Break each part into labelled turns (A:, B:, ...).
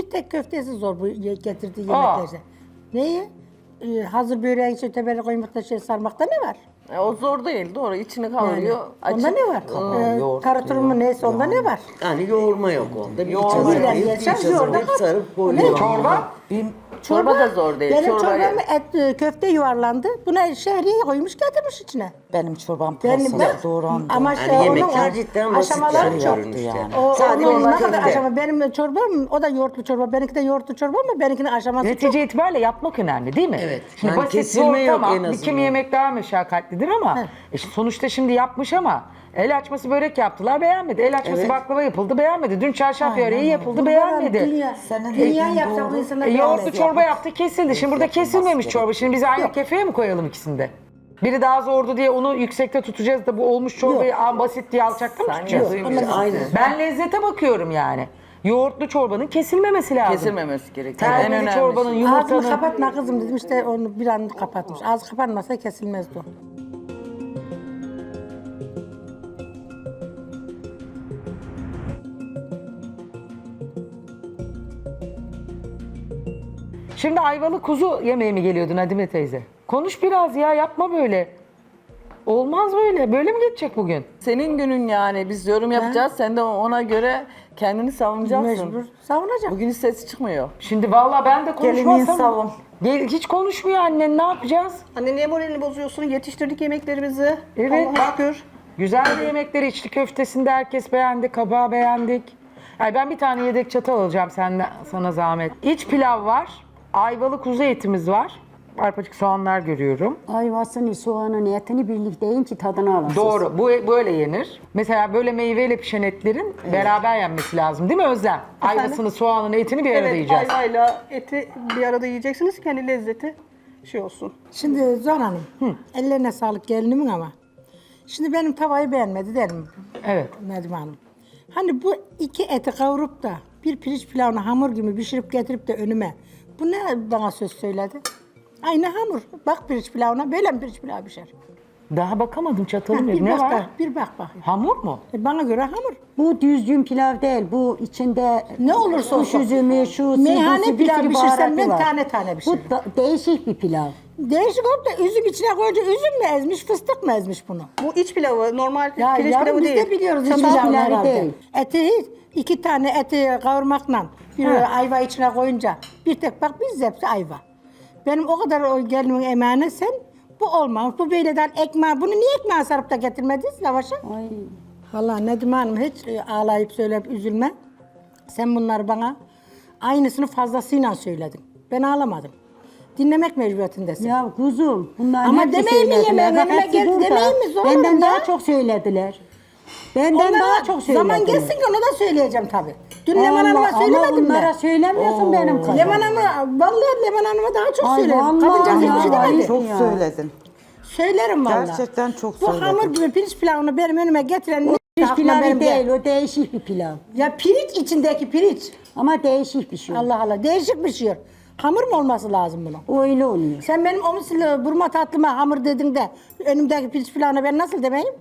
A: Bir tek köftesi zor bu getirdiği
B: Aa.
A: yemeklerde. Neyi? Hazır böreğin içine tebeli koymak da sarmakta ne var?
C: O zor değil, doğru. İçini kavuruyor.
A: Onda ne var?
D: yoğurt
A: Tarator mu neyse onda ne var?
D: Yani yoğurma yok onda. Bir
C: Yoğurma
D: içe
C: yok.
D: sarıp,
A: Birden
D: içe
A: yoğurda
D: sarıp,
A: kat.
D: sarıp koyuyor.
B: Çorba?
C: Çorba da zor değil.
A: Benim
C: Çorba-
A: çorbam köfte yuvarlandı. Buna şehriye koymuş getirmiş içine.
E: Benim çorbam
A: Benim
E: pırasa doğrandı.
A: ama
D: Yani yemekler cidden basit
A: aşamaları çok.
D: görünüşte.
E: yani.
D: Sadece
A: Onun
D: bir
A: ne kadar
D: köfte.
A: aşama. Benim çorbam o da yoğurtlu çorba. Benimki de yoğurtlu çorba ama benimkinin aşaması çok.
B: Netice itibariyle yapmak önemli değil mi?
D: Evet.
B: Şimdi
D: Yani
B: basit
D: kesilme
B: zor
D: yok
B: tamam.
D: en
B: Bir
D: azından.
B: kimi yemek daha meşakkatlidir ama sonuçta şimdi yapmış ama el açması börek yaptılar beğenmedi. El açması
D: Evet.
B: baklava yapıldı beğenmedi. Dün çarşaf böreği yapıldı beğenmedi.
A: Dünya,
E: Senin
A: dünya
E: dediğin
A: yapsa bu
E: doğru.
A: insanlar
B: Yoğurtlu
A: beğenmez
B: çorba
A: ya.
B: yaptı kesildi. Şimdi burada kesilmemiş çorba. Şimdi biz aynı kefeye mi koyalım ikisinde? Biri daha zordu diye onu yüksekte tutacağız da bu olmuş çorbayı basit diye alçakta mı tutacağız?
D: Aynen.
B: Ben lezzete bakıyorum yani. Yoğurtlu çorbanın kesilmemesi lazım.
C: Kesilmemesi gerekiyor. En
B: Terbiyeli
C: önemli
B: çorbanın,
C: şey.
A: Ağzını
B: yumurtanın.
A: kapatma kızım dedim işte onu bir an kapatmış. Ağzı kapanmasa kesilmezdi o.
B: Şimdi ayvalı kuzu yemeğe mi geliyordun Adime teyze? Konuş biraz ya, yapma böyle. Olmaz böyle. Böyle mi geçecek bugün?
C: Senin günün yani. Biz yorum yapacağız. Sen de ona göre kendini savunacaksın.
A: Mecbur savunacak.
C: Bugün hiç sesi çıkmıyor.
B: Şimdi vallahi ben de
E: Gelinin
B: konuşmazsam...
E: savun.
B: Hiç konuşmuyor annen, ne yapacağız?
F: Anne niye moralini bozuyorsun? Yetiştirdik yemeklerimizi.
B: Evet,
F: Allah'a
B: bak.
F: şükür.
B: Güzel de yemekleri, içli köftesinde herkes beğendi, kabağı beğendik. Ay ben bir tane yedek çatal alacağım sana zahmet. İç pilav var, ayvalı kuzu etimiz var. Arpacık soğanlar görüyorum.
G: Ayvasını, soğanın, etini birlikte yiyin ki tadını alasınız.
B: Doğru, bu böyle yenir. Mesela böyle meyveyle pişen etlerin beraber yenmesi lazım değil mi Özlem? Ayvasını, soğanını, etini bir arada
F: Evet,
B: yiyeceğiz.
F: ayvayla eti bir arada yiyeceksiniz ki hani lezzeti şey olsun.
A: Şimdi Zuhal Hanım, ellerine sağlık gelinimin ama. Şimdi benim tavayı beğenmedi derim
B: Evet.
A: Nedime Hanım. Hani bu iki eti kavurup da bir pirinç pilavını hamur gibi pişirip getirip de önüme. Bu ne bana söz söyledi? Aynı hamur. Bak pirinç pilavına böyle mi pirinç pilav pişer?
B: Daha bakamadım çatalım.
A: Bir
B: Ne
A: bak
B: var?
A: bak, bir bak bakayım.
B: Hamur mu?
A: Bana göre hamur.
G: Bu düzgün pilav değil. Bu içinde
A: Ne olursa
G: kuş
A: olsun.
G: üzümü, şu
A: Meyhane
G: bir
A: pilav
G: sürü
A: pişirsem
G: baharatı
A: ben
G: var.
A: tane tane pişiririm.
G: Bu değişik bir pilav.
A: Değişik olup da üzüm içine koyunca üzüm mü ezmiş, fıstık mı ezmiş bunu?
F: Bu iç pilavı, normal
A: Ya
F: pirinç
A: yavrum
F: pilavı
A: biz
F: değil.
A: de biliyoruz iç
G: Çatal
A: pilavı
G: pilavı
A: herhalde.
G: değil.
A: Eti iki tane eti kavurmakla bir ayva içine koyunca bir tek bak biz hepsi ayva. Benim o kadar o gelinimin emeğine sen bu olmamış. Bu böyleden ekmeği, bunu niye ekmeğe sarıp da getirmediniz lavaşa?
G: Ay.
A: Vallahi Nedime Hanım hiç ağlayıp söyleyip üzülme. Sen bunları bana aynısını fazlasıyla söyledin. Ben ağlamadım. Dinlemek mecburiyetindesin.
G: Ya kuzum, bunlar
A: Ama
G: hepsi
A: demeyin mi
G: söylediler.
A: yemeğin
G: Bak
A: önüme
G: hepsi
A: geldi,
G: burada.
A: demeyin mi? Zor
G: Benden
A: olur
G: daha
A: ya.
G: çok söylediler. Benden
A: Onlara
G: daha çok söylediler.
A: zaman geçsin ki ona da söyleyeceğim tabii. Dün
G: Allah,
A: Leman Hanım'a
G: ama
A: söylemedim
G: bunlara
A: mi?
G: söylemiyorsun benim kızım.
A: Leman Hanım'a, vallahi Leman Hanım'a daha çok
G: Ay,
A: söylerim.
G: vallahi
A: Kadıncağız
G: ya,
A: hiçbir şey
G: ay,
A: demedi.
E: Çok
G: Ya.
E: söyledin.
A: Söylerim vallahi.
E: Gerçekten çok
A: Bu
E: söyledin.
A: hamur gibi pirinç pilavını benim önüme getiren ne
G: Pirinç
A: aklıma
G: pilavı
A: benim
G: değil, o değişik bir pilav.
A: Ya pirinç içindeki pirinç.
G: Ama değişik bir şey.
A: Allah Allah değişik bir şey. Hamur mu olması lazım bunun?
G: Öyle oluyor.
A: Sen benim o misli burma tatlıma hamur dedin de önümdeki pirinç pilavına ben nasıl demeyim?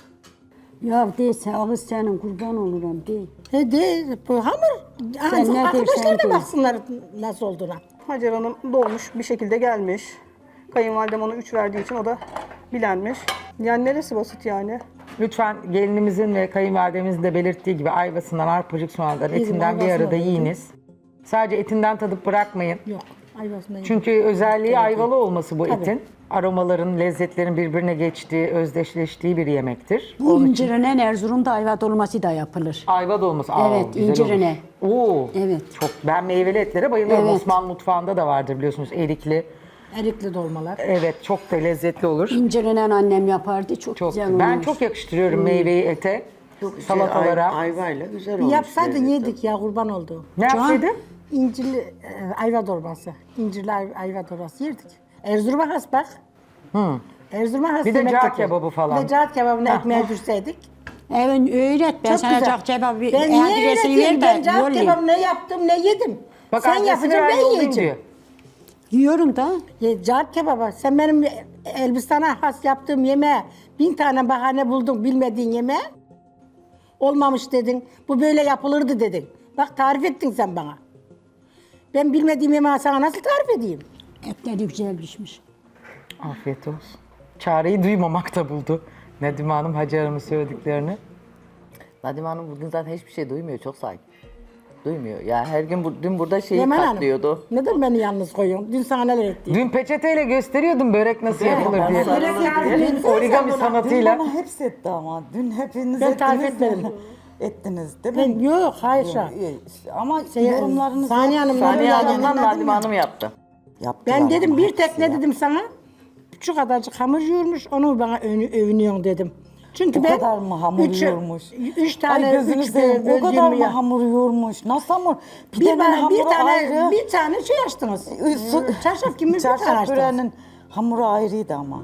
G: Ya değilse ağız senin kurban olurum değil.
A: De bu hamur.
G: Sen ne
A: Arkadaşlar
G: dersen
A: da
G: de.
A: baksınlar nasıl olduğuna.
F: Hacer Hanım dolmuş bir şekilde gelmiş. Kayınvalidem ona 3 verdiği için o da bilenmiş. Yani neresi basit yani?
B: Lütfen gelinimizin ve kayınvalidemizin de belirttiği gibi ayvasından, arpacık soğandan, etinden bir
A: ayvasını
B: arada
A: da
B: yiyiniz. Sadece etinden tadıp bırakmayın.
A: Yok. Ayvasında yok.
B: Çünkü özelliği ayvalı olması bu etin. Aromaların, lezzetlerin birbirine geçtiği, özdeşleştiği bir yemektir.
G: Bu incirine Erzurum'da ayva dolması da yapılır.
B: Ayva dolması.
G: Evet,
B: güzel
G: incirine.
B: olur. Oo.
G: Evet.
B: Çok. Ben meyveli etlere bayılıyorum.
G: Evet.
B: Osmanlı mutfağında da vardır biliyorsunuz erikli.
A: Erikli dolmalar.
B: Evet, çok da lezzetli olur.
G: İncirine annem yapardı. Çok,
B: Çok.
G: güzel
B: Ben
G: olmuş.
B: çok yakıştırıyorum meyveyi ete. Salatalara.
D: Ayvayla güzel
A: Bir
D: olmuş.
A: yapsaydın yedik ya kurban olduğum.
B: Ne yapsaydın?
A: İncirli ayva dolması. İncirli ayva dolması yerdik. Erzurum'a has bak. Erzurum'a has
B: Bir de
A: yemek
B: cağ
A: yapıyor.
B: kebabı falan.
A: Bir de cağ kebabını ekmeğe dürseydik.
G: Evet öğret. Ben
A: Çok
G: sana
A: güzel.
G: cak cevabı
A: Ben niye
G: adresini
A: öğreteyim?
G: ver
A: Ben
G: de
A: cağ
G: yollayayım.
A: kebabı ne yaptım ne yedim.
B: Bak
A: Sen
B: adresini
A: yapacaksın
B: ver,
A: ben
B: yollayayım
A: yiyeceğim.
B: diyor.
G: Yiyorum da.
A: Cağ kebabı. Sen benim Elbistan'a has yaptığım yemeğe 1000 tane bahane buldun bilmediğin yemeğe. Olmamış dedin. Bu böyle yapılırdı dedin. Bak tarif ettin sen bana. Ben bilmediğim yemeği sana nasıl tarif edeyim?
G: Etleri güzel pişmiş.
B: Afiyet olsun. Çareyi duymamakta buldu. Nedime Hanım, Hacer Hanım'ın söylediklerini.
C: Nadime Hanım bugün zaten hiçbir şey duymuyor. Çok sakin. Duymuyor. Ya her gün dün burada şeyi
A: Leman Hanım,
C: katlıyordu.
A: neden beni yalnız koyuyorsun? Dün sana neler ettim?
B: Dün peçeteyle gösteriyordum börek nasıl yapılır diye.
A: Origami
B: Origami sanatıyla.
E: Bana hepsi etti ama. Dün hepiniz
A: Ben tarif
E: ettiniz
A: etmedim.
E: mi? Ettiniz değil mi?
A: Ben yok, hayır şu an.
E: Ama
A: Şey,
E: yorumlarınız...
A: Saniye Hanım,
C: Saniye
A: Nadime
C: Hanım'dan
A: Hanım,
C: Nadime Hanım yaptı.
E: Yaptılar
A: Ben dedim
E: ama
A: bir
E: hepsi
A: tek ne
E: ya.
A: dedim sana? Şu kadarcık hamur yoğurmuş, onu bana övünüyorsun dedim. Çünkü
E: O
A: ben
E: kadar mı hamur yoğurmuş?
A: Üç tane,
E: Ay gözünü
A: üç
E: seveyim. O kadar mı
A: ya.
E: hamur yoğurmuş? Nasıl hamur?
A: Bir,
E: Pidenin hamuru ayrı.
A: bir tane şey açtınız. Çarşaf gibi bir tane
E: Çarşaf
A: açtınız.
E: böreğinin hamuru ayrıydı ama.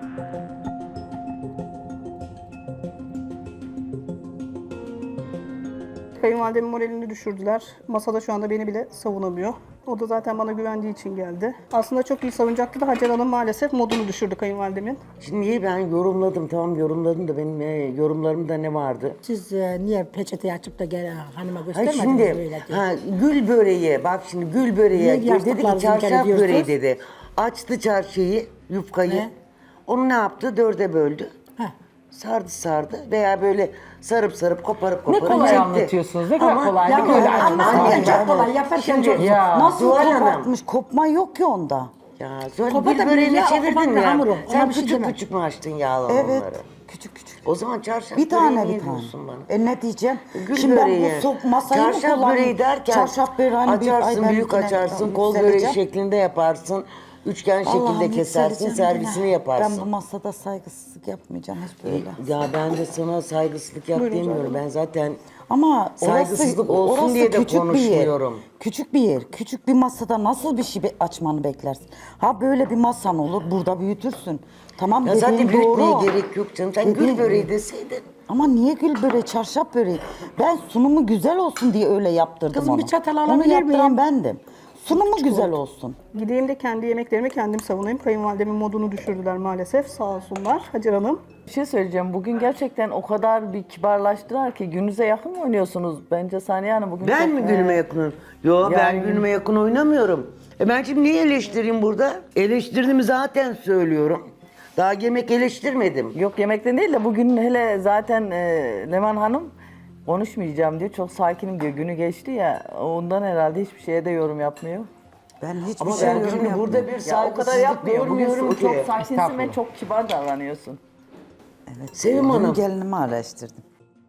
F: Kayınvalidemin moralini düşürdüler. Masada şu anda beni bile savunamıyor. O da zaten bana güvendiği için geldi. Aslında çok iyi savunacaktı da Hacer Hanım maalesef modunu düşürdü kayınvalidemin.
D: Şimdi niye ben yorumladım, tamam yorumladım da benim yorumlarımda ne vardı?
A: Siz niye peçeteyi açıp da gel hanıma
D: Ha
A: göstermediniz
D: şimdi
A: böyle diye.
D: gül böreği, bak şimdi gül böreği
A: Niye
D: dedi ki
A: yastıklarınızı
D: çarşaf
A: inkar ediyorsunuz?
D: böreği dedi. Açtı çarşıyı, yufkayı.
A: He.
D: Onu ne yaptı? 4'e böldü.
A: Heh.
D: Sardı veya böyle sarıp koparıp
B: Ne kolay
D: çekti.
B: anlatıyorsunuz. Ne kadar
D: Ama-
B: kolay.
A: Ya
B: Ne kadar
A: anlatınca çok kolay, yaparken çok zor.
B: Ya.
E: Nasıl
D: Zuhal Hanım.
E: kopartmış? Kopma yok ki onda.
D: Ya Zuhal
A: Kopa
D: gül
A: da
D: böreğini
A: ya, o
D: çevirdin
A: kopa da
D: ya.
A: hamuru, ona
D: Sen
A: bir şey
D: küçük
A: demem.
D: küçük mü açtın yağla
E: Evet.
D: onları?
E: Küçük küçük.
D: O zaman çarşaf
E: Bir tane
D: böreği
E: bir
D: niye
E: tane.
D: diyorsun bana?
E: Ne diyeceğim?
D: Gül
E: Şimdi
D: böreği.
E: ben bu masayı mı
D: Çarşaf
E: kullanayım?
D: böreği derken
E: Çarşaf böreği hani bir-
D: açarsın,
E: ay ben
D: büyük
E: yine
D: açarsın, kol böreği
E: yükseleceğim.
D: şeklinde yaparsın. Üçgen şekilde
E: Allah'ım
D: kesersin,
E: yükseleceğim
D: servisini
E: yine.
D: yaparsın.
E: Ben bu masada saygısızlık yapmayacağım hiç böyle.
D: Ya ben de sana saygısızlık yap demiyorum. Ben zaten
E: Ama
D: saygısızlık olsun diye de
E: küçük bir
D: konuşmuyorum.
E: yer. Küçük bir yer. Küçük bir masada nasıl bir şey açmanı beklersin? Ha böyle bir masan olur, burada büyütürsün. Tamam
D: ya
E: dediğin
D: zaten büyütmeye
E: doğru.
D: gerek yok canım. Sen
E: Dediğin-
D: gül böreği deseydin.
E: Ama niye gül böreği, çarşaf böreği? Ben sunumu güzel olsun diye öyle yaptırdım
A: Kızım,
E: onu.
A: bir çatal
E: Onu
A: alabilir
E: yaptıran
A: miyim?
E: bendim. Sunumu güzel olsun.
F: Gideyim de kendi yemeklerimi kendim savunayım. Kayınvalidemin modunu düşürdüler maalesef. Sağ olsunlar Hacer Hanım.
C: Bir şey söyleyeceğim. Bugün gerçekten o kadar bir kibarlaştılar ki gününüze yakın mı oynuyorsunuz? Bence Saniye Hanım bugün
D: Ben
C: çok-
D: mi günüme yakınım? Yo ben
C: Yani-
D: günüme yakın oynamıyorum. Ben şimdi niye eleştireyim burada? Eleştirdiğimi zaten söylüyorum. Daha yemek eleştirmedim.
C: Yok yemekten değil de bugün hele zaten Leman Hanım konuşmayacağım diyor. Çok sakinim diyor. Günü geçti ya. Ondan herhalde hiçbir şeye de yorum yapmıyor.
E: Ben hiçbir
D: Ama
E: şey
D: ben
E: yorum
D: şimdi
E: yapmıyorum.
D: burada bir
C: Ya o kadar
D: saygısızlık
C: yapmıyor. Bugün
D: görmüyorum ki.
C: çok sakinsin ve
B: Estağfurullah.
C: çok kibar davranıyorsun.
D: Sevim
E: Dün
D: Hanım.
E: gelinimi araştırdım.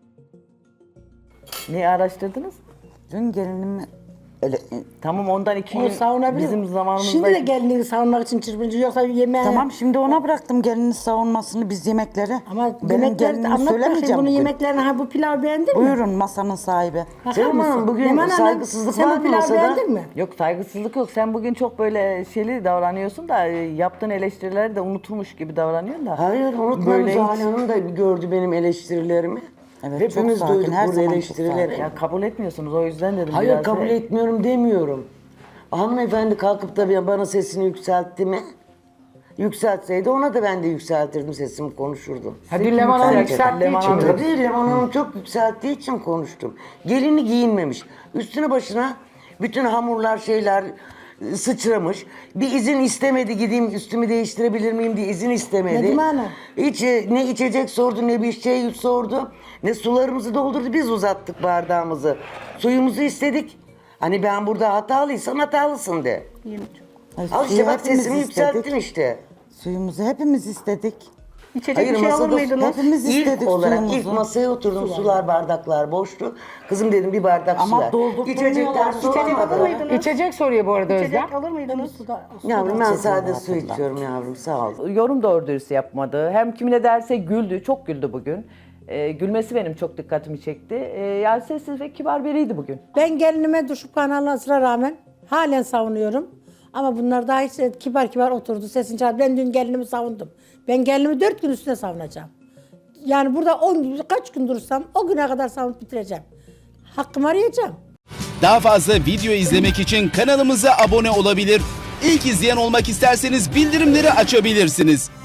C: Niye araştırdınız?
E: Dün gelinimi öyle,
C: Tamam ondan 2
A: O
C: gün
A: savunabilir.
C: bizim zamanımızda...
A: Şimdi de gelinliği savunmak için çırpıncı yoksa yemeğe...
E: tamam şimdi ona bıraktım gelinin savunmasını biz yemekleri.
A: Ama
E: benim
A: yemekler
E: gelinimi
A: anlat bakayım
E: söylemeyeceğim
A: bunun
E: bugün.
A: yemeklerini. Ha bu pilav beğendin mi?
E: Buyurun masanın sahibi.
A: Bakar
D: Sevim Hanım,
A: mısın?
D: bugün
A: Leman Hanım,
D: saygısızlık
A: sen
D: var
A: bu
D: mı
A: pilavı
D: masada?
A: beğendin mi?
C: Yok saygısızlık yok. Sen bugün çok böyle şeyli davranıyorsun da yaptığın eleştirileri de unutulmuş gibi davranıyorsun da.
D: Hayır unutmadım.
C: Böyle
D: Zuhal
C: hiç-
D: Hanım da gördü benim eleştirilerimi.
E: Evet,
D: Hepimiz
E: çok sakin,
D: duyduk
E: her
D: burada
E: zaman çok
D: eleştirileri.
E: sakin.
C: Ya kabul etmiyorsunuz o yüzden dedim
D: Hayır
C: biraz.
D: kabul etmiyorum demiyorum. Hanımefendi kalkıp da bana sesini yükseltti mi? Yükseltseydi ona da ben de yükseltirdim sesimi konuşurdum.
B: Hadi Leman Hanım yükselttiği
C: Leman
B: için.
C: Hanım.
D: Tabii Leman Hanım çok yükselttiği için konuştum. Gelini giyinmemiş. Üstüne başına bütün hamurlar şeyler sıçramış. Bir izin istemedi gideyim üstümü değiştirebilir miyim diye izin istemedi.
A: Nedime Hanım.
D: Hiç ne içecek sordu ne bir şey sordu. Ne sularımızı doldurdu biz uzattık bardağımızı. Suyumuzu istedik. Hani ben burada hatalıysam hatalısın de.
E: Ay,
D: Al
E: suyu
D: işte bak
E: hepimiz
D: sesimi
E: istedik.
D: yükselttin işte.
E: Suyumuzu hepimiz istedik.
F: İçecek bir şey alır mıydınız?
E: hepimiz
D: İlk
E: istedik
D: olarak
E: suyumuzu.
D: ilk masaya oturdum sular bardaklar boştu. Kızım dedim bir bardak
E: Ama
D: su ver.
E: doldurtmuyorlar.
D: İçecekler su
F: İçecek alır
D: almadı.
F: mıydınız?
B: İçecek soruyor bu arada Özlem.
F: İçecek alır mıydınız?
D: Yavrum ben sade su içiyorum yavrum sağ ol.
C: Yorum doğru dürüst yapmadı. Hem kimine derse güldü, çok güldü bugün. Gülmesi benim çok dikkatimi çekti. Yani sessiz ve kibar biriydi bugün.
A: Ben gelinime düşüp kanalına rağmen halen savunuyorum. Ama bunlar daha hiç kibar kibar oturdu sesini çaldı. Ben dün gelinimi savundum. Ben gelinimi 4 gün üstüne savunacağım. Yani burada 10 gün, kaç gün durursam o güne kadar savunup bitireceğim. Hakkımı arayacağım.
H: Daha fazla video izlemek için kanalımıza abone olabilir. İlk izleyen olmak isterseniz bildirimleri açabilirsiniz.